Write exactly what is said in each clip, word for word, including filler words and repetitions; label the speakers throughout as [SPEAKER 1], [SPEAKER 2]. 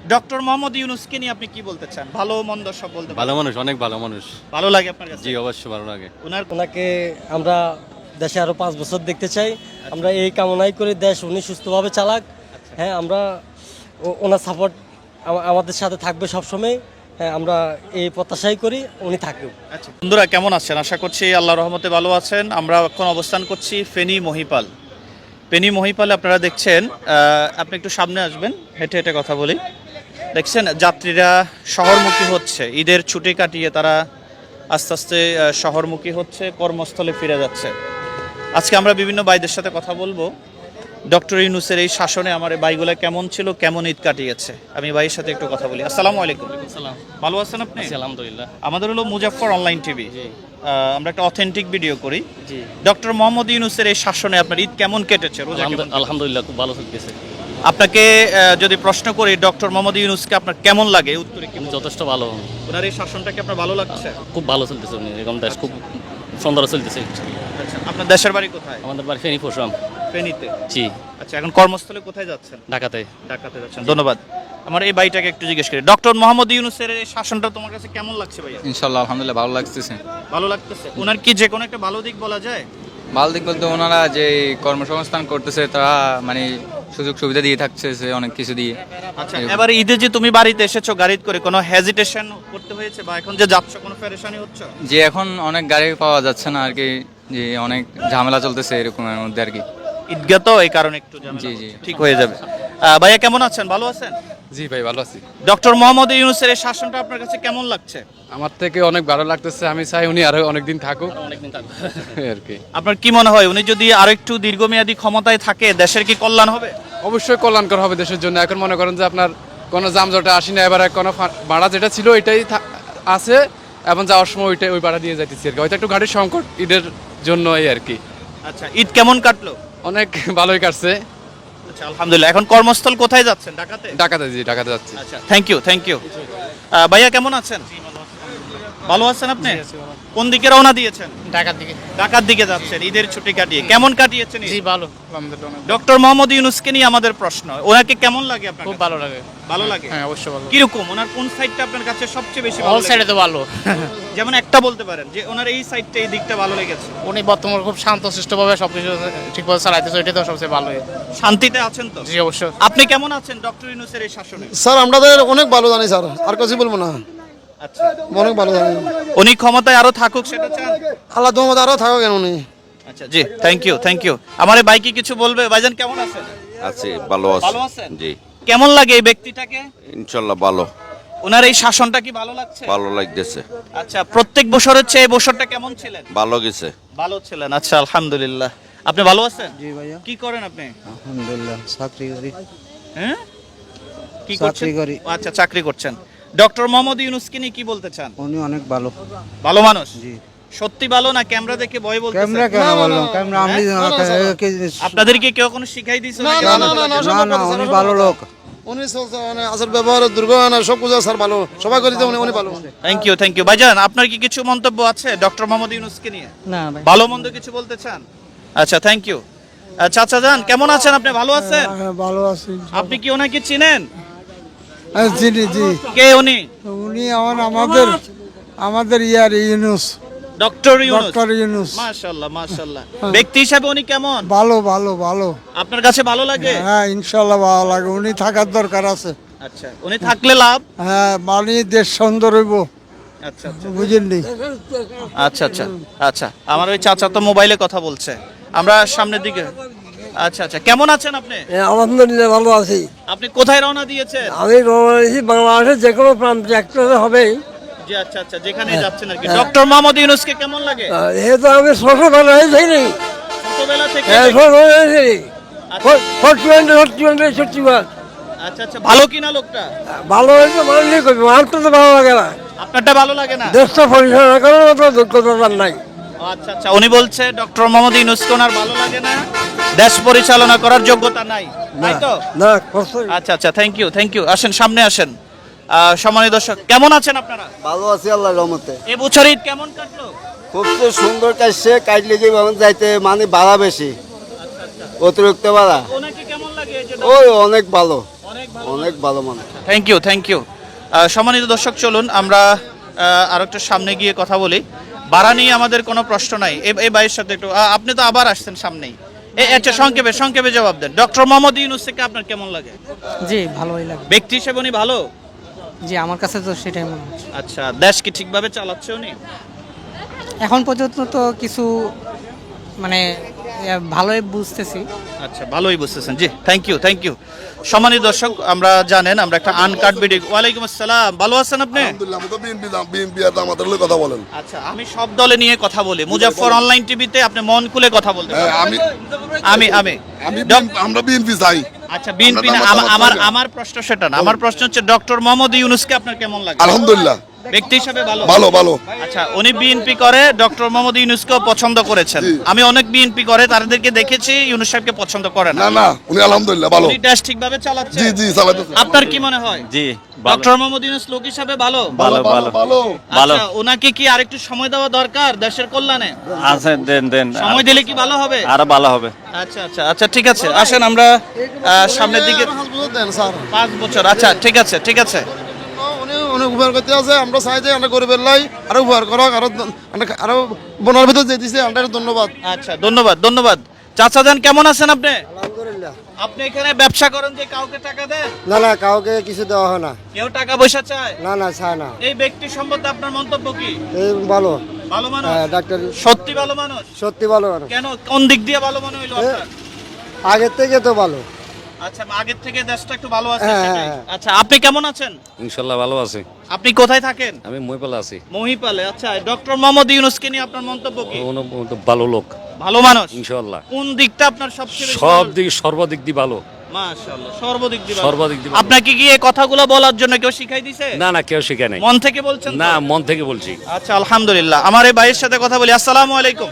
[SPEAKER 1] Doctor Mohammad ইউনূসকে নিয়ে আপনি কি বলতে চান? ভালো মন্দ সব বলতে
[SPEAKER 2] ভালো মানুষ, অনেক ভালো মানুষ।
[SPEAKER 1] ভালো লাগে আপনার কাছে?
[SPEAKER 2] জি অবশ্যই ভালো লাগে।
[SPEAKER 1] ওনার
[SPEAKER 3] ওনাকে আমরা দেশে আরো পাঁচ বছর দেখতে চাই। আমরা এই কামনাই করি দেশ উনি সুস্থভাবে চালাক। হ্যাঁ, আমরা ও- ওনার সাপোর্ট আমাদের সাথে থাকবে সবসময়। হ্যাঁ, আমরা এই প্রত্যাশাই করি উনি থাকুক।
[SPEAKER 1] আচ্ছা বন্ধুরা, কেমন আছেন? আশা করছি আল্লাহর রহমতে ভালো আছেন। আমরা এখন অবস্থান করছি ফেনী মহিপাল। ফেনী মহিপালে আপনারা দেখছেন, আহ, আপনি একটু সামনে আসবেন, হেঁটে হেঁটে কথা বলি। দেখছেন যাত্রীরা শহরমুখী হচ্ছে, ঈদের ছুটি কাটিয়ে তারা আস্তে আস্তে আহ, শহরমুখী হচ্ছে, কর্মস্থলে ফিরে যাচ্ছে। আজকে আমরা বিভিন্ন ভাইদের সাথে কথা বলবো ডক্টর ইউনূসের এই শাসনে আমার এই ভাইগুলা কেমন ছিল, কেমন ঈদ কাটিয়েছে। আমি ভাইয়ের সাথে একটু কথা বলি। আসসালামু আলাইকুম। ভালো আছেন আপনি?
[SPEAKER 2] আলহামদুলিল্লাহ।
[SPEAKER 1] আমাদের হলো মুজাফফর অনলাইন টিভি। আমরা একটা অথেন্টিক ভিডিও করি।
[SPEAKER 2] জি
[SPEAKER 1] ডক্টর মোহাম্মদ ইউনূসের এই শাসনে আপনার ঈদ কেমন কেটেছে, রোজা কেমন কেটেছে?
[SPEAKER 2] আলহামদুলিল্লাহ, খুব ভালো চলতেছে।
[SPEAKER 1] আপনাকে আহ, যদি প্রশ্ন করি ডক্টর মোহাম্মদ ইউনূসকে আপনার কেমন লাগে, এই উত্তরে কি বলবেন?
[SPEAKER 2] যথেষ্ট ভালো,
[SPEAKER 1] ওনার এই শাসনটাকে আপনার ভালো লাগছে?
[SPEAKER 2] খুব ভালো চলতেছে। উনি এরকম দেশ খুব সুন্দর চলতেছে।
[SPEAKER 1] আচ্ছা, আপনার দেশের বাড়ি কোথায়?
[SPEAKER 2] আমাদের বাড়ি ফেনী পরশুরাম।
[SPEAKER 1] ফেনীতে।
[SPEAKER 2] জি,
[SPEAKER 1] আচ্ছা, এখন কর্মস্থলে কোথায় যাচ্ছেন?
[SPEAKER 2] ঢাকাতে।
[SPEAKER 1] ঢাকাতে যাচ্ছেন, ধন্যবাদ। আমার এই ভাইটাকে একটু জিজ্ঞেস করি, ডক্টর মোহাম্মদ ইউনূসের এই শাসনটা তোমার কাছে কেমন লাগছে ভাইয়া?
[SPEAKER 4] ইনশাল্লাহ আলহামদুলিল্লাহ ভালো লাগতেছে।
[SPEAKER 1] ভালো লাগতেছে। ওনার কি যে কোনো একটা ভালো দিক বলা যায়?
[SPEAKER 4] ভালো দিক বলতে ওনারা যে কর্মসংস্থান করতেছে তারা মানে সুযোগ সুবিধা দিয়ে থাকছে অনেক কিছু দিয়ে।
[SPEAKER 1] আচ্ছা, এবার ঈদে যে তুমি বাড়িতে এসেছো গাড়িতে করে, কোনো হেজিটেশন করতে হয়েছে বা এখন যে যাচ্ছ কোনো পেরেশানি হচ্ছে?
[SPEAKER 4] যে এখন অনেক গাড়ি পাওয়া যাচ্ছে না আর কি, যে অনেক ঝামেলা চলতেছে এরকমের মধ্যে আর কি।
[SPEAKER 1] ঈদগাহ তো এই কারণে একটু ঝামেলা
[SPEAKER 4] জি,
[SPEAKER 1] হচ্ছে।
[SPEAKER 4] জি।
[SPEAKER 1] ঠিক হয়ে যাবে। আহ, ভাইয়া কেমন আছেন? ভালো আছেন?
[SPEAKER 5] জি ভাই, ভালো আছি।
[SPEAKER 1] ডক্টর মোহাম্মদ ইউনূসের এই শাসনটা আপনার কাছে কেমন লাগছে?
[SPEAKER 5] আমার থেকে অনেক ভালো লাগতেছে। আমি চাই উনি আরো অনেকদিন থাকুক
[SPEAKER 2] অনেকদিন থাকবে
[SPEAKER 5] আর কি।
[SPEAKER 1] আপনার কি মনে হয় উনি যদি আরো একটু দীর্ঘমেয়াদী ক্ষমতায় থাকে দেশের কি কল্যাণ হবে?
[SPEAKER 5] অবশ্যই কল্যাণকর হবে দেশের জন্য। এখন মনে করেন যে আপনার কোনো জামজটে আসি না, এবার কোনো ফা- ভাড়া যেটা ছিল ওইটাই থা- আছে, এবং যাওয়ার সময় ওইটাই ওই ভাড়া দিয়ে যাইতেছি আর কি। হয়তো একটু গাড়ির সংকট ঈদের জন্য এই আর কি।
[SPEAKER 1] আচ্ছা, ঈদ কেমন কাটলো?
[SPEAKER 5] অনেক ভালোই কাটছে।
[SPEAKER 1] আচ্ছা, আলহামদুলিল্লাহ। এখন কর্মস্থল কোথায় যাচ্ছেন? ঢাকাতে?
[SPEAKER 5] ঢাকাতে, জি ঢাকাতে যাচ্ছি।
[SPEAKER 1] আচ্ছা, থ্যাংক ইউ থ্যাংক ইউ। ভাইয়া কেমন আছেন? ভালো আছেন আপনি? কোন দিকে রওনা দিয়েছেন?
[SPEAKER 6] ঢাকার দিকে।
[SPEAKER 1] ঢাকার দিকে যাচ্ছেন ঈদের ছুটি কাটিয়ে। কেমন কাটিয়েছেন ঈদ?
[SPEAKER 6] জি ভালো, আলহামদুলিল্লাহ।
[SPEAKER 1] ডক্টর মোহাম্মদ ইউনূসকে নিয়ে আমাদের প্রশ্ন, ওনাকে কেমন লাগে আপনার
[SPEAKER 6] খুব
[SPEAKER 1] কাছে?
[SPEAKER 6] ভালো লাগে।
[SPEAKER 1] ভালো লাগে?
[SPEAKER 6] হ্যাঁ, অবশ্যই ভালো।
[SPEAKER 1] কিরকম, ওনার কোন সাইডটা আপনার কাছে সবচেয়ে বেশি ভালো
[SPEAKER 6] অল
[SPEAKER 1] লাগে?
[SPEAKER 6] সাইডে তো ভালো।
[SPEAKER 1] যেমন একটা বলতে পারেন যে ওনার এই সাইডটা, এই দিকটা ভালো লেগেছে।
[SPEAKER 6] উনি বর্তমানে খুব শান্ত শিষ্টভাবে সবকিছু ঠিকভাবে চালাইতেছে, ওইটাই তো সবচেয়ে ভালো।
[SPEAKER 1] শান্তিতে আছেন তো?
[SPEAKER 6] জি অবশ্যই।
[SPEAKER 1] আপনি কেমন আছেন ডক্টর ইউনূসের এই শাসনে?
[SPEAKER 7] স্যার আমাদের অনেক ভালো জানি স্যার, আর কিছু বলবো না।
[SPEAKER 1] আচ্ছা,
[SPEAKER 7] অনেক ভালো জানি।
[SPEAKER 1] উনি ক্ষমতায় আরো থাকুক সেটা চান?
[SPEAKER 7] আল্লাহ তোমাদের আরো থাকো কেন উনি।
[SPEAKER 1] আচ্ছা, জি থ্যাংক ইউ থ্যাংক ইউ। আমার এই ভাই কি কিছু বলবে? ভাইজান কেমন আছেন?
[SPEAKER 8] আছি, ভালো আছি।
[SPEAKER 1] ভালো আছেন?
[SPEAKER 8] জি
[SPEAKER 1] কেমন লাগে এই ব্যক্তিটাকে?
[SPEAKER 8] ইনশাল্লাহ ভালো
[SPEAKER 1] ওনার এই শাসনটা কি ভালো লাগছে?
[SPEAKER 8] ভালো লাগতেছে,
[SPEAKER 1] আচ্ছা, প্রত্যেক বছরের চেয়ে এই বছরটা কেমন ছিলেন?
[SPEAKER 8] ভালো গেছে।
[SPEAKER 1] ভালো ছিলেন। আচ্ছা, আলহামদুলিল্লাহ। আপনি ভালো আছেন?
[SPEAKER 9] জি ভাইয়া,
[SPEAKER 1] কি করেন আপনি?
[SPEAKER 9] আলহামদুলিল্লাহ চাকরি করি।
[SPEAKER 1] হ্যাঁ, কি
[SPEAKER 9] চাকরি
[SPEAKER 1] করছেন?
[SPEAKER 9] করি।
[SPEAKER 1] ও, আচ্ছা, চাকরি করছেন। ডক্টর মোহাম্মদ ইউনূসকে নিয়ে কি বলতে চান?
[SPEAKER 9] উনি অনেক ভালো।
[SPEAKER 1] ভালো মানুষ?
[SPEAKER 9] জি।
[SPEAKER 1] সত্যি ভালো না ক্যামেরা দেখে ভয় বলতেছেন?
[SPEAKER 9] ক্যামেরা কেন বললাম? ক্যামেরা আমি
[SPEAKER 1] আপনাদেরকে কেউ কোনো শিখাই দিয়েছে?
[SPEAKER 7] না, না, না, না, না,
[SPEAKER 9] না না, উনি ভালো লোক।
[SPEAKER 7] উনি চলছে, মানে আসার ব্যবহার দুর্গ না সব কিছু স্যার ভালো, সবাই করি উনি উনি ভালো।
[SPEAKER 1] Thank you thank you. ভাইজান আপনার কি কিছু মন্তব্য আছে ডক্টর মোহাম্মদ ইউনূসকে নিয়ে?
[SPEAKER 3] না ভাই,
[SPEAKER 1] ভালো মন্দ কিছু বলতে চান? আচ্ছা, থ্যাংক ইউ। চাচা যান কেমন আছেন আপনি? ভালো আছেন?
[SPEAKER 7] ভালো আছি।
[SPEAKER 1] আপনি কি ওনাকে চিনেন?
[SPEAKER 7] জি জি,
[SPEAKER 1] কে উনি?
[SPEAKER 7] উনি আমার আমাদের আমাদের ইয়ার ইউনুস,
[SPEAKER 1] ডক্টর ইউনূস।
[SPEAKER 7] ডক্টর ইউনুস।
[SPEAKER 1] মাশাআল্লাহ মাশাআল্লাহ। ব্যক্তি হিসাবে উনি কেমন?
[SPEAKER 7] ভালো ভালো ভালো।
[SPEAKER 1] আপনার কাছে ভালো লাগে?
[SPEAKER 7] হ্যাঁ ইনশাল্লাহ ভালো লাগে, উনি থাকার দরকার আছে।
[SPEAKER 1] আচ্ছা, উনি থাকলে লাভ?
[SPEAKER 7] হ্যাঁ, মানে দেশ সুন্দর হইব,
[SPEAKER 1] আচ্ছা আচ্ছা
[SPEAKER 7] বুঝেননি?
[SPEAKER 1] আচ্ছা আচ্ছা আচ্ছা। আমার ওই চাচা তো মোবাইলে কথা বলছে, আমরা সামনের দিকে। আচ্ছা আচ্ছা, কেমন আছেন আপনি?
[SPEAKER 3] আলহামদুলিল্লাহ ভালো আছি।
[SPEAKER 1] আপনি কোথায় রওনা দিয়েছেন?
[SPEAKER 3] আমি রয়েছি বাংলাদেশের যে কোনো প্রান্তে একটা হবেই।
[SPEAKER 1] জি, আচ্ছা আচ্ছা, যেখানে যাচ্ছেন আর কি। ডক্টর মোহাম্মদ ইউনূসকে কেমন লাগে?
[SPEAKER 3] এ তো আমি ছোটবেলা হয়েছি নি,
[SPEAKER 1] ছোটবেলা থেকে?
[SPEAKER 3] ছোটবেলা হয়েছি
[SPEAKER 1] আচ্ছা
[SPEAKER 3] ফোর্টি ফোর্টি সত্যি
[SPEAKER 1] আচ্ছা আচ্ছা, ভালো কিনা লোকটা?
[SPEAKER 3] ভালো হয়েছে, মানলেই করবি, আমার তো ভালো লাগে না।
[SPEAKER 1] আপনারটা ভালো লাগে না?
[SPEAKER 3] দেশটা পরিচালনা করার মতো যোগ্যতা নাই।
[SPEAKER 1] আচ্ছা আচ্ছা, উনি বলছে ডক্টর মোহাম্মদ ইউনূসকে ওনার ভালো লাগে না, দেশ পরিচালনা করার যোগ্যতা নাই, তাই তো?
[SPEAKER 3] না,
[SPEAKER 1] আচ্ছা আচ্ছা, থ্যাংক ইউ থ্যাংক ইউ। আসেন সামনে আসেন। আহ, সম্মানিত দর্শক কেমন আছেন আপনারা?
[SPEAKER 10] ভালো আছি আল্লাহর রহমতে।
[SPEAKER 1] এ বছর ঈদ কেমন কাটলো?
[SPEAKER 10] খুব তো সুন্দর কাটছে, কাটলে যে ভাবে যাইতে মানে ভাড়া বেশি, অতিরিক্ত ভাড়া।
[SPEAKER 1] ওনাকে কেমন লাগে? এই যে
[SPEAKER 10] ওই অনেক ভালো।
[SPEAKER 1] অনেক
[SPEAKER 10] অনেক ভালো মানুষ।
[SPEAKER 1] থ্যাংক ইউ থ্যাংক ইউ সম্মানিত দর্শক, চলুন আমরা আর একটু সামনে গিয়ে কথা বলি। ভাড়া নিয়ে আমাদের কোনো প্রশ্ন নাই। এই- এই ভাইয়ের সাথে একটু আহ, আপনি তো আবার আসছেন সামনেই। এই আচ্ছা, সংক্ষেপে সংক্ষেপে জবাব দেন। ডক্টর মোহাম্মদ ইউনূসকে আপনার কেমন লাগে?
[SPEAKER 3] জি ভালোই লাগে।
[SPEAKER 1] ব্যক্তি হিসেবে উনি ভালো?
[SPEAKER 3] জি আমার কাছে তো সেটাই মনে হচ্ছে।
[SPEAKER 1] আচ্ছা, দেশ কি ঠিকভাবে চালাচ্ছে উনি?
[SPEAKER 3] এখন পর্যন্ত তো কিছু মানে ভালোই বুঝতেছি।
[SPEAKER 1] আচ্ছা, ভালোই বুঝতেছেন। জি, থ্যাংক ইউ থ্যাংক ইউ। সম্মানিত দর্শক, আমরা জানেন আমরা একটা আনকাট ভিডিও। ওয়ালাইকুম আসসালাম, ভালো আছেন আপনি?
[SPEAKER 7] আলহামদুলিল্লাহ, আমি তো বিএনপি বিএনপি আর আমাদের লগে কথা বলেন।
[SPEAKER 1] আচ্ছা, আমি সব দলে নিয়ে কথা বলি। মুজাফফর অনলাইন টিভিতে আপনি মন খুলে কথা বলতে
[SPEAKER 7] হ্যাঁ,
[SPEAKER 1] পারেন।
[SPEAKER 7] আমি
[SPEAKER 1] আমি আমি
[SPEAKER 7] আমি
[SPEAKER 1] ডক-
[SPEAKER 7] BNP আমরা বিএনপি চাই।
[SPEAKER 1] আচ্ছা, বিএনপি না,
[SPEAKER 7] আমরা
[SPEAKER 1] আমা-
[SPEAKER 7] মতামত
[SPEAKER 1] আমার
[SPEAKER 7] চাই না।
[SPEAKER 1] আমার প্রশ্ন সেটা না। আমার প্রশ্ন হচ্ছে ডক্টর মোহাম্মদ ইউনূসকে আপনার কেমন লাগে?
[SPEAKER 7] আলহামদুলিল্লাহ,
[SPEAKER 1] ব্যক্তি হিসেবে ভালো?
[SPEAKER 7] ভালো ভালো।
[SPEAKER 1] আচ্ছা, উনি বিএনপি করে, ডক্টর মোহাম্মদ ইউনূসকেও পছন্দ করেছেন।
[SPEAKER 7] জি।
[SPEAKER 1] আমি অনেক বিএনপি করে, তাদেরকে দেখেছি ইউনূস সাহেবকে পছন্দ করে না।
[SPEAKER 7] না না, উনি আলহামদুলিল্লাহ ভালো।
[SPEAKER 1] উনি দেশ ঠিকভাবে চালাচ্ছে।
[SPEAKER 7] জি জি চালাতেছে।
[SPEAKER 1] আপনার কি মনে হয়?
[SPEAKER 2] জি
[SPEAKER 1] ডক্টর মোহাম্মদ ইউনূস লোক হিসাবে ভালো?
[SPEAKER 2] ভালো ভালো
[SPEAKER 7] ভালো।
[SPEAKER 2] ভালো।
[SPEAKER 1] আচ্ছা, ওনাকে কি আরেকটু সময় দেওয়া দরকার দেশের কল্যাণে?
[SPEAKER 2] আছে, দেন দেন
[SPEAKER 1] সময় দিলে কি ভালো হবে?
[SPEAKER 2] আরো ভালো হবে।
[SPEAKER 1] আচ্ছা আচ্ছা আচ্ছা, ঠিক আছে, আসেন আমরা আহ, সামনের দিকে।
[SPEAKER 7] পাঁচ বছর দেন স্যার।
[SPEAKER 1] পাঁচ বছর, আচ্ছা ঠিক আছে ঠিক আছে।
[SPEAKER 7] উনি অনেক উপকার করতে আছে। আমরা চাই যে আমরা গরিবের লাই আরো উপকার করক, আরো আরো বনার ভিতর যে দিছে আমরা ধন্যবাদ।
[SPEAKER 1] আচ্ছা, ধন্যবাদ ধন্যবাদ। চাচা যান, কেমন আছেন আপনি?
[SPEAKER 10] আলহামদুলিল্লাহ।
[SPEAKER 1] আপনি এখানে ব্যবসা করেন যে কাউকে টাকা দেন?
[SPEAKER 10] না না, কাউকে কিছু দেওয়া হয় না।
[SPEAKER 1] কেউ টাকা পয়সা চায়?
[SPEAKER 10] না না, চায় না।
[SPEAKER 1] এই ব্যক্তি সম্বন্ধে আপনার মন্তব্য কি?
[SPEAKER 10] এই ভালো।
[SPEAKER 1] ভালো মানুষ?
[SPEAKER 10] হ্যাঁ, ডাক্তার
[SPEAKER 1] সত্যি ভালো মানুষ?
[SPEAKER 10] সত্যি ভালো মানুষ।
[SPEAKER 1] কেন, কোন দিক দিয়ে ভালো মনে হইলো আপনার?
[SPEAKER 10] আগের থেকে তো ভালো।
[SPEAKER 1] আচ্ছা, আগের থেকে দেশটা একটু ভালো আছে
[SPEAKER 10] হ্যাঁ,
[SPEAKER 1] সেটাই।
[SPEAKER 10] হ্যাঁ।
[SPEAKER 1] আচ্ছা, আপনি কেমন আছেন?
[SPEAKER 2] ইনশাল্লাহ ভালো আছে।
[SPEAKER 1] আপনি কোথায় থাকেন?
[SPEAKER 2] আমি মহিপালে আছি।
[SPEAKER 1] মহিপালে। আচ্ছা, ডক্টর মোহাম্মদ ইউনূসকে নিয়ে আপনার মন্তব্য কি?
[SPEAKER 2] ভালো লোক
[SPEAKER 1] ভালো মানুষ?
[SPEAKER 2] ইনশাল্লাহ।
[SPEAKER 1] কোন দিকটা আপনার সবচেয়ে বেশি
[SPEAKER 2] সব
[SPEAKER 1] ভালো-
[SPEAKER 2] দিক সর্বাধিক দি ভালো।
[SPEAKER 1] মাশাআল্লাহ, সর্বদিক দিয়ে ভালো।
[SPEAKER 2] সর্বাধিক দিয়ে ভালো।
[SPEAKER 1] আপনাকে কি এই কথাগুলো বলার জন্য কেউ শিখাই দিছে?
[SPEAKER 2] না না, কেউ শিখে নাই।
[SPEAKER 1] মন থেকে বলছেন তো?
[SPEAKER 2] না, মন থেকে বলছি।
[SPEAKER 1] আচ্ছা, আলহামদুলিল্লাহ। আমার এই ভাইয়ের সাথে কথা বলি। আসসালামু আলাইকুম,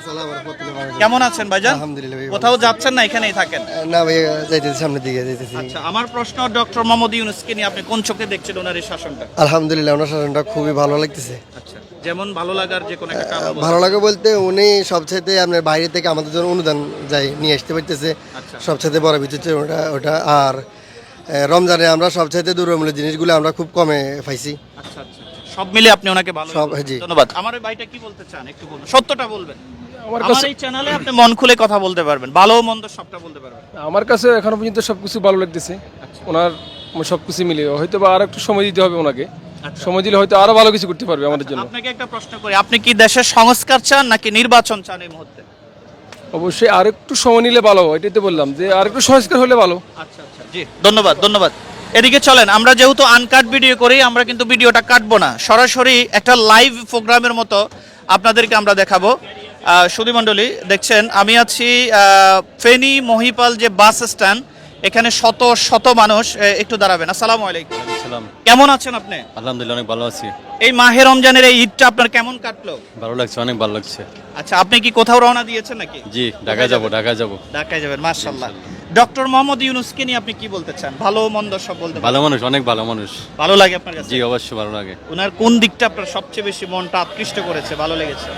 [SPEAKER 1] কেমন আছেন ভাইজান?
[SPEAKER 10] আলহামদুলিল্লাহ ভাই,
[SPEAKER 1] কোথাও যাচ্ছেন না, এখানেই থাকেন?
[SPEAKER 10] না ভাই, যাইতেছি সামনের দিকে যাইতেছি।
[SPEAKER 1] আচ্ছা, আমার প্রশ্ন, ডক্টর মোহাম্মদ ইউনূসকে নিয়ে আপনি কোন চোখে দেখছেন ওনার এই শাসনটা?
[SPEAKER 10] আলহামদুলিল্লাহ, ওনার শাসনটা খুবই ভালো লাগতেছে।
[SPEAKER 1] আচ্ছা, যেমন ভালো লাগার যে কোনো একটা কারণ বলুন।
[SPEAKER 10] ভালো লাগে বলতে উনি সবচাইতে আপনার বাইরে থেকে আমাদের জন্য অনুদান যাই নিয়ে আসতে পারতেছে।
[SPEAKER 1] আচ্ছা।
[SPEAKER 10] সবচাইতে বড় বিষয় হচ্ছে ওটা ওটা আর এ, রমজানে আমরা সবচাইতে দুর্মূল্যের জিনিসগুলো আমরা খুব কমে পাইছি।
[SPEAKER 1] আচ্ছা আচ্ছা, সব মিলে আপনি ওনাকে ভালো
[SPEAKER 10] সব,
[SPEAKER 1] বলছেন।
[SPEAKER 10] জি।
[SPEAKER 1] ধন্যবাদ। আমার এই ভাইটা কি বলতে চান একটু বলুন, সত্যটা বলবেন। আমার এই চ্যানেলে আপনি মন খুলে কথা বলতে পারবেন, ভালো মন্দ সবটা বলতে পারবেন।
[SPEAKER 5] আমার কাছে এখনো পর্যন্ত সবকিছু ভালো লাগতেছে। ওনার সবকিছু মিলে হয়তো বা আর একটু সময় দিতে হবে ওনাকে। সময় দিলে হয়তো আরো ভালো কিছু করতে পারবে আমাদের জন্য।
[SPEAKER 1] আপনাকে একটা প্রশ্ন করি, আপনি কি দেশের সংস্কার চান নাকি নির্বাচন চান এই মুহূর্তে?
[SPEAKER 5] অবশ্যই আর একটু সময় নিলে ভালো, এটাই তো বললাম যে আর একটু সংস্কার হলে ভালো।
[SPEAKER 1] আচ্ছা আচ্ছা, জি, ধন্যবাদ ধন্যবাদ। এদিকে চলেন, আমরা যেহেতু আনকাট ভিডিও করি, আমরা কিন্তু ভিডিওটা কাটবো না, সরাসরি একটা লাইভ প্রোগ্রামের মতো আপনাদেরকে আমরা দেখাবো। সুধী মণ্ডলী, দেখছেন আমি আছি আহ, ফেনী মহিপাল যে বাস স্ট্যান্ড, এখানে শত শত মানুষ। এ, একটু দাঁড়াবেন। আসসালামু আলাইকুম,
[SPEAKER 2] সালাম।
[SPEAKER 1] কেমন আছেন আপনি?
[SPEAKER 2] আলহামদুলিল্লাহ, অনেক ভালো আছি।
[SPEAKER 1] এই মাহে রমজানের এই ঈদটা আপনার কেমন কাটলো?
[SPEAKER 2] ভালো লাগছে, অনেক ভালো লাগছে।
[SPEAKER 1] আচ্ছা, আপনি কি কোথাও রওনা দিয়েছেন নাকি?
[SPEAKER 2] জি, ঢাকায় যাবো, ঢাকায় যাবো।
[SPEAKER 1] ঢাকায় যাবেন, মাশাআল্লাহ। ডক্টর মোহাম্মদ ইউনূসকে নিয়ে আপনি কি বলতে চান? ভালো মন্দ সব বলতে
[SPEAKER 2] ভালো
[SPEAKER 1] পারেন?
[SPEAKER 2] মানুষ, অনেক ভালো মানুষ।
[SPEAKER 1] ভালো লাগে আপনার কাছে?
[SPEAKER 2] জি, অবশ্যই ভালো লাগে।
[SPEAKER 1] ওনার কোন দিকটা আপনার সবচেয়ে বেশি মনটা আকৃষ্ট করেছে, ভালো লেগেছে?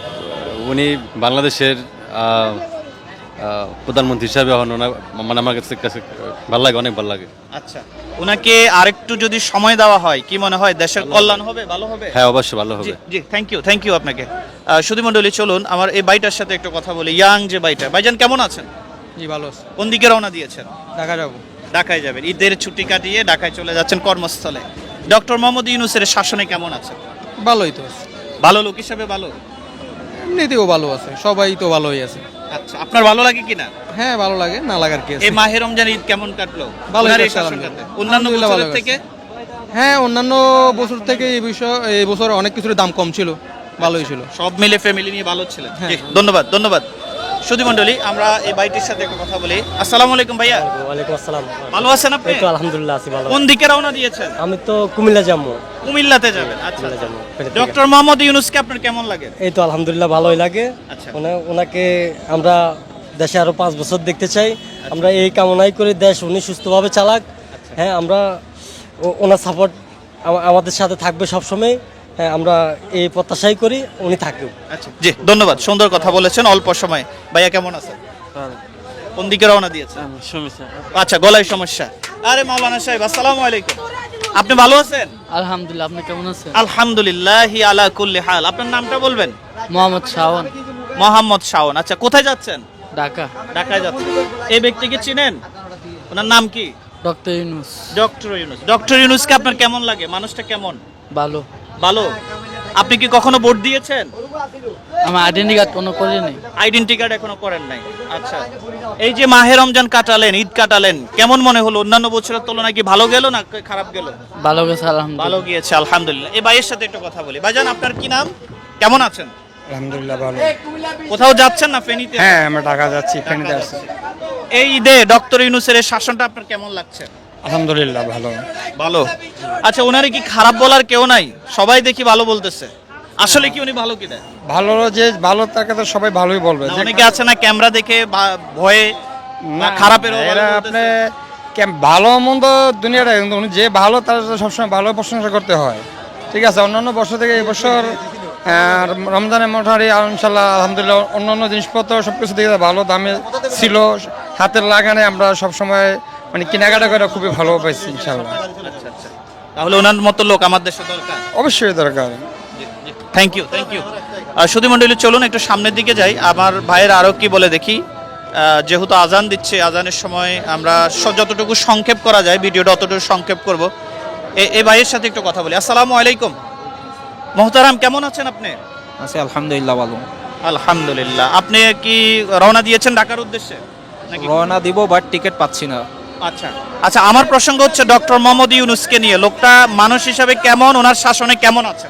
[SPEAKER 2] উনি বাংলাদেশের আহ, আহ, প্রধানমন্ত্রী হিসাবে হন, ওনার মানে আমার কাছে কাছে ভালো লাগে, অনেক ভালো লাগে।
[SPEAKER 1] আচ্ছা, ওনাকে আরেকটু যদি সময় দেওয়া হয়, কি মনে হয় দেশের কল্যাণ হবে, ভালো হবে?
[SPEAKER 2] হ্যাঁ, অবশ্যই ভালো
[SPEAKER 1] জি
[SPEAKER 2] হবে।
[SPEAKER 1] জি, থ্যাংক ইউ থ্যাংক ইউ আপনাকে। আহ, সুধী মণ্ডলী, চলুন আমার এই বাইটার সাথে একটু কথা বলি। ইয়াং যে বাইটা, ভাইজান কেমন আছেন?
[SPEAKER 3] জি ভালো আছে।
[SPEAKER 1] কোন দিকে রওনা দিয়েছেন?
[SPEAKER 3] ঢাকা যাবো।
[SPEAKER 1] ঢাকায় যাবেন, ঈদের ছুটি কাটিয়ে ঢাকায় চলে যাচ্ছেন কর্মস্থলে। ডক্টর মোহাম্মদ ইউনূসের শাসনে কেমন আছেন?
[SPEAKER 3] ভালোই তো আছে,
[SPEAKER 1] ভালো লোক হিসাবে ভালো?
[SPEAKER 3] এমনিতেও ভালো আছে, সবাই তো ভালোই আছে।
[SPEAKER 1] আচ্ছা, আপনার ভালো লাগে কিনা?
[SPEAKER 3] হ্যাঁ ভালো লাগে, না লাগার কি
[SPEAKER 1] এই মাহে রমজান ঈদ কেমন কাটলো?
[SPEAKER 3] ভালোই
[SPEAKER 1] ওনার এই
[SPEAKER 3] কাটছে,
[SPEAKER 1] শাসনটাতে?
[SPEAKER 3] আলহামদুলিল্লাহ।
[SPEAKER 1] অন্যান্য
[SPEAKER 3] আলহামদুলিল্লাহ
[SPEAKER 1] বছরের
[SPEAKER 3] ভালো
[SPEAKER 1] থেকে?
[SPEAKER 3] হ্যাঁ অন্যান্য বছর থেকে এই বিষয় এই বছর অনেক কিছুর দাম কম ছিল, ভালোই ছিল।
[SPEAKER 1] সব মিলে ফ্যামিলি নিয়ে ভালো ছিলেন।
[SPEAKER 3] হ্যাঁ।
[SPEAKER 1] জি, ধন্যবাদ ধন্যবাদ। সুধী মণ্ডলী, আমরা এই বাইটির সাথে একটু কথা বলি। আসসালামু আলাইকুম ভাইয়া,
[SPEAKER 3] ওয়ালাইকুম আসসালাম।
[SPEAKER 1] ভালো আছেন আপনি?
[SPEAKER 3] এই তো আলহামদুলিল্লাহ আছি ভালো।
[SPEAKER 1] কোন দিকে রওনা দিয়েছেন?
[SPEAKER 3] আমি তো কুমিল্লা যাবো।
[SPEAKER 1] কুমিল্লাতে যাবেন। আচ্ছা,
[SPEAKER 3] কুমিল্লা যাবো।
[SPEAKER 1] ডক্টর মোহাম্মদ ইউনূসকে আপনার কেমন লাগে?
[SPEAKER 3] এই তো আলহামদুলিল্লাহ ভালোই লাগে।
[SPEAKER 1] আচ্ছা।
[SPEAKER 3] ওনা- ওনাকে আমরা দেশে আরো পাঁচ বছর দেখতে চাই। আমরা এই কামনাই করি দেশ উনি সুস্থভাবে চালাক। হ্যাঁ, আমরা ও- ওনার সাপোর্ট আমাদের সাথে থাকবে সবসময়। হ্যাঁ, আমরা এই প্রত্যাশাই করি উনি থাকুক।
[SPEAKER 1] আচ্ছা, জি, ধন্যবাদ, সুন্দর কথা বলেছেন অল্প সময়। ভাইয়া কেমন আছেন? কোন দিকে রওনা দিয়েছেন? আচ্ছা, গলায় সমস্যা। আরে মাওলানা সাহেব, আসসালামু আলাইকুম। আপনি ভালো আছেন?
[SPEAKER 3] আলহামদুলিল্লাহ, আপনি কেমন আছেন?
[SPEAKER 1] আলহামদুলিল্লাহ আলা কুল্লি হাল। আপনার নামটা বলবেন?
[SPEAKER 3] মোহাম্মদ শাওন,
[SPEAKER 1] মোহাম্মদ শাওন। আচ্ছা, কোথায় যাচ্ছেন?
[SPEAKER 3] ঢাকা।
[SPEAKER 1] ঢাকায় যাচ্ছেন। এই ব্যক্তিকে চিনেন? ওনার নাম কি?
[SPEAKER 3] Doctor Yunus.
[SPEAKER 1] Doctor Yunus. Doctor ইউনুসকে আপনার কেমন লাগে? মানুষটা কেমন?
[SPEAKER 3] ভালো।
[SPEAKER 1] ভালো। আপনি কি কখনো ভোট দিয়েছেন?
[SPEAKER 3] আমার আইডেন্টি কার্ড কোনো করিনি।
[SPEAKER 1] আইডেন্টি কার্ড এখনো করেন নাই। আচ্ছা, এই যে মাহে রমজান কাটালেন, ঈদ কাটালেন, কেমন মনে হলো? অন্যান্য বছরের তুলনায় কি ভালো গেল না খারাপ গেল?
[SPEAKER 3] ভালো গেছে আলহামদুলিল্লাহ।
[SPEAKER 1] ভালো গিয়েছে আলহামদুলিল্লাহ। এই ভাইয়ের সাথে একটু কথা বলি। ভাইজান, আপনার কি নাম? কেমন আছেন?
[SPEAKER 9] আলহামদুলিল্লাহ ভালো।
[SPEAKER 1] কোথাও যাচ্ছেন না ফেনীতে?
[SPEAKER 9] হ্যাঁ, আমরা ঢাকা যাচ্ছি, ফেনীতে আসছি।
[SPEAKER 1] এই ঈদে ডক্টর ইউনুসের এই শাসনটা আপনার কেমন লাগছে?
[SPEAKER 9] আলহামদুলিল্লাহ ভালো।
[SPEAKER 1] ভালো। আচ্ছা, ওনারে কি খারাপ বলার কেউ নাই? সবাই দেখি ভালো বলতেছে। আসলে কি উনি ভালো কি দেয়?
[SPEAKER 9] ভালো যে ভালো তাকে তো সবাই ভালোই বলবে।
[SPEAKER 1] না, অনেকে আছে না ক্যামেরা দেখে বা ভয়ে বা খারাপের
[SPEAKER 9] এরা আপনি কেম- ভালো মন্দ দুনিয়াটা, কিন্তু উনি যে ভালো তার সবসময় ভালো প্রশংসা করতে হয়। ঠিক আছে, অন্যান্য বছর থেকে এই বছর আহ, রমজানের মোটামুটি ইনশাল্লাহ আলহামদুলিল্লাহ অন্যান্য জিনিসপত্র সব কিছু দিকে ভালো দামে ছিল। হাতের লাগানে আমরা সবসময় মানে কেনাকাটা করে খুবই ভালো পাইছি ইনশাল্লাহ।
[SPEAKER 1] আচ্ছা আচ্ছা, তাহলে ওনার মতো লোক আমার দেশে দরকার।
[SPEAKER 9] অবশ্যই দরকার।
[SPEAKER 1] Thank you, thank you. সুধী মণ্ডলী, চলুন একটু সামনের দিকে যাই। আমার ভাইয়ের আরও কি বলে দেখি। আহ, যেহেতু আজান দিচ্ছে, আজানের সময় আমরা স- যতটুকু সংক্ষেপ করা যায় ভিডিওটা অতটুকু সংক্ষেপ করব। এ- এই ভাইয়ের সাথে একটু কথা বলি। আসসালামু আলাইকুম। মোহতারাম, কেমন আছেন আপনি?
[SPEAKER 4] আছি আলহামদুলিল্লাহ ভালো।
[SPEAKER 1] আলহামদুলিল্লাহ। আপনি কি রওনা দিয়েছেন ঢাকার উদ্দেশ্যে নাকি?
[SPEAKER 4] রওনা দিব, বাট টিকিট পাচ্ছি না।
[SPEAKER 1] আচ্ছা আচ্ছা, আমার প্রসঙ্গ হচ্ছে ডক্টর মোহাম্মদ ইউনুসকে নিয়ে। লোকটা মানুষ হিসাবে কেমন, ওনার শাসনে কেমন আছেন?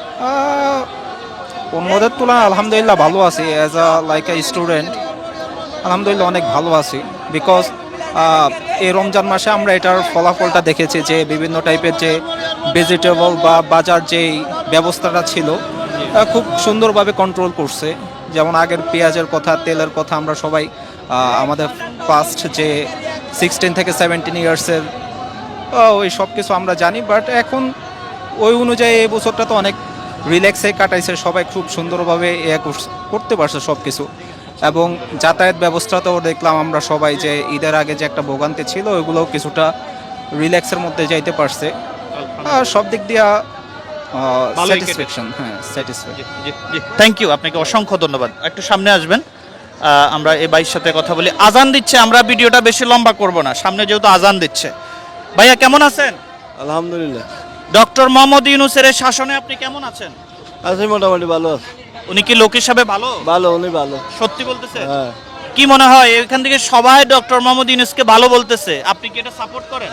[SPEAKER 4] অন্যদের তুলনায় আলহামদুলিল্লাহ ভালো আছি। As a like a student আলহামদুলিল্লাহ অনেক ভালো আছি। বিকজ এই রমজান মাসে আমরা এটার ফলাফলটা দেখেছি যে বিভিন্ন টাইপের যে ভেজিটেবল বা বাজার যেই ব্যবস্থাটা ছিল আহ, খুব সুন্দরভাবে কন্ট্রোল করছে। যেমন আগের পেঁয়াজের কথা, তেলের কথা আমরা সবাই আহ, আমাদের ফার্স্ট যে সিক্সটিন থেকে সেভেন্টিন ইয়ার্সের ওই সব কিছু আমরা জানি। বাট এখন ওই অনুযায়ী এই বছরটা তো অনেক রিল্যাক্সে কাটাইছে, সবাই খুব সুন্দরভাবে এ করস- করতে পারছে সব কিছু। এবং যাতায়াত ব্যবস্থাতেও দেখলাম আমরা সবাই যে ঈদের আগে যে একটা ভোগান্তি ছিল ওইগুলোও কিছুটা রিল্যাক্সের মধ্যে যাইতে পারছে। আর সব দিক দিয়া
[SPEAKER 1] ভালোই কেটেছে।
[SPEAKER 4] স্যাটিসফ্যাকশন। হ্যাঁ, স্যাটিসফ্যাকশন।
[SPEAKER 1] থ্যাংক ইউ, আপনাকে অসংখ্য ধন্যবাদ। একটু সামনে আসবেন, আহ, আমরা এই ভাইয়ের সাথে কথা বলি। আজান দিচ্ছে, আমরা ভিডিওটা বেশি লম্বা করব না, সামনে যেহেতু আজান দিচ্ছে। ভাইয়া, কেমন আছেন?
[SPEAKER 10] আলহামদুলিল্লাহ
[SPEAKER 1] ডক্টর মোহাম্মদ ইউনুসের এই শাসনে আপনি কেমন আছেন?
[SPEAKER 10] আছি, মোটামুটি ভালো আছে।
[SPEAKER 1] উনি কি লোক হিসাবে ভালো?
[SPEAKER 10] ভালো, উনি ভালো।
[SPEAKER 1] সত্যি বলতেছে?
[SPEAKER 10] হ্যাঁ।
[SPEAKER 1] কি মনে হয় এখান থেকে সবাই ডক্টর মোহাম্মদ ইউনুসকে ভালো বলতেছে, আপনি কি এটা সাপোর্ট করেন?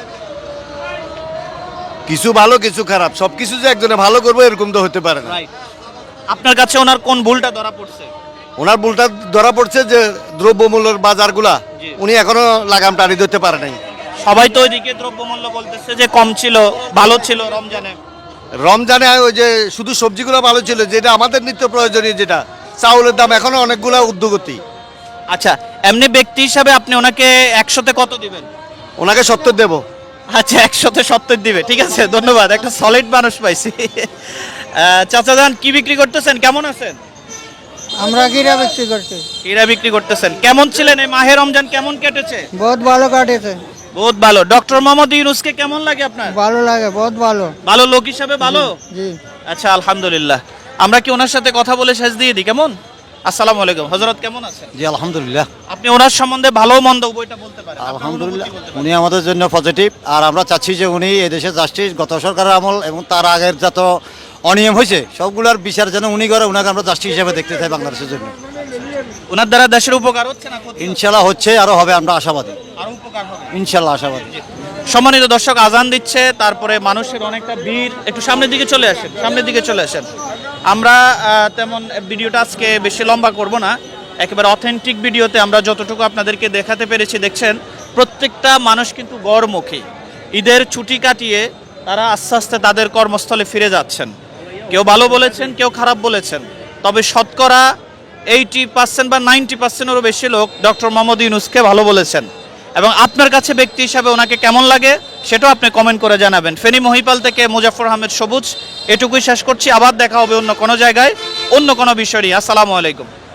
[SPEAKER 10] কিছু ভালো কিছু খারাপ, সব কিছু যে একজনে ভালো করবো এরকম তো হতে পারে না।
[SPEAKER 1] রাইট। আপনার কাছে ওনার কোন ভুলটা ধরা পড়ছে?
[SPEAKER 10] ওনার ভুলটা ধরা পড়ছে যে দ্রব্যমূল্যের বাজারগুলা
[SPEAKER 1] জি।
[SPEAKER 10] উনি এখনো লাগাম টানি ধরতে পারে নাই।
[SPEAKER 1] সবাই তো ওইদিকে দ্রব্যমূল্য বলতেছে যে কম ছিল, ভালো ছিল রমজানে।
[SPEAKER 10] রমজানে ওই যে শুধু সবজিগুলো ভালো ছিল, যেটা আমাদের নিত্য প্রয়োজনীয়, যেটা চাউলের দাম এখনো অনেকগুলো ঊর্ধ্বগতি।
[SPEAKER 1] আচ্ছা, এমনি ব্যক্তি হিসাবে আপনি ওনাকে একশোতে কত দিবেন?
[SPEAKER 10] ওনাকে সত্তর দেব।
[SPEAKER 1] আচ্ছা, একশোতে সত্তর দিবে, ঠিক আছে, ধন্যবাদ। একটা সলিড মানুষ পাইছি। আহ, চাচা যান, কি বিক্রি করতেছেন? কেমন আছেন?
[SPEAKER 9] আমরা কিরা বিক্রি করছি,
[SPEAKER 1] হীরা বিক্রি করতেছেন। কেমন ছিলেন এই মাহে রমজান, কেমন কেটেছে?
[SPEAKER 9] বহুত ভালো কাটেছে,
[SPEAKER 1] বহুত ভালো। ডক্টর মোহাম্মদ ইউনুসকে কেমন লাগে আপনার?
[SPEAKER 9] ভালো লাগে, বহুত ভালো।
[SPEAKER 1] ভালো লোক হিসাবে ভালো।
[SPEAKER 9] জি।
[SPEAKER 1] আচ্ছা, আলহামদুলিল্লাহ। আমরা কি ওনার সাথে কথা বলে শেষ দিয়ে দিই? কেমন? আসসালামু আলাইকুম। হযরত কেমন আছেন?
[SPEAKER 10] জি আলহামদুলিল্লাহ।
[SPEAKER 1] আপনি ওনার সম্বন্ধে ভালো মন্দ উভয়টা বলতে পারেন। আপনার
[SPEAKER 10] আলহামদুলিল্লাহ,
[SPEAKER 1] অনুভূতি বলতে পারেন।
[SPEAKER 10] উনি আমাদের জন্য পজিটিভ। আর আমরা চাচ্ছি যে উনি এদেশে জাস্টিস, গত সরকারের আমল এবং তার আগের যত অনিয়ম হয়েছে সবগুলোর বিচার যেন উনি করে, উনাকে আমরা জাস্টিস হিসেবে দেখতে চাই বাংলাদেশের জন্য।
[SPEAKER 1] ওনার দ্বারা দেশের উপকার হচ্ছে না ক্ষতি?
[SPEAKER 10] ইনশাল্লাহ হচ্ছে, আরো হবে, আমরা আশাবাদী।
[SPEAKER 1] আরো উপকার হবে
[SPEAKER 10] ইনশাল্লাহ আশাবাদী।
[SPEAKER 1] সম্মানিত দর্শক, আজান দিচ্ছে, তারপরে মানুষের অনেকটা ভিড়। একটু সামনের দিকে চলে আসেন, সামনের দিকে চলে আসেন। আমরা আহ, তেমন ভিডিওটা আজকে বেশি লম্বা করব না, একেবারে অথেন্টিক ভিডিওতে আমরা যতটুকু আপনাদেরকে দেখাতে পেরেছি। দেখছেন প্রত্যেকটা মানুষ কিন্তু গড়মুখী। ঈদের ছুটি কাটিয়ে তারা আস্তে আস্তে তাদের কর্মস্থলে ফিরে যাচ্ছেন। কেউ ভালো বলেছেন, কেউ খারাপ বলেছেন, তবে শতকরা এইটি পার্সেন্ট বা নাইনটি পার্সেন্টেরও বেশি লোক ডক্টর মোহাম্মদ ইউনুসকে ভালো বলেছেন। এবং আপনার কাছে ব্যক্তি হিসাবে ওনাকে কেমন লাগে সেটাও আপনি কমেন্ট করে জানাবেন। ফেনী মহিপাল থেকে মুজাফফর আহমেদ সবুজ, এটুকুই শেষ করছি। আবার দেখা হবে অন্য কোনো জায়গায়, অন্য কোনো বিষয় নিয়ে। আসসালামু আলাইকুম।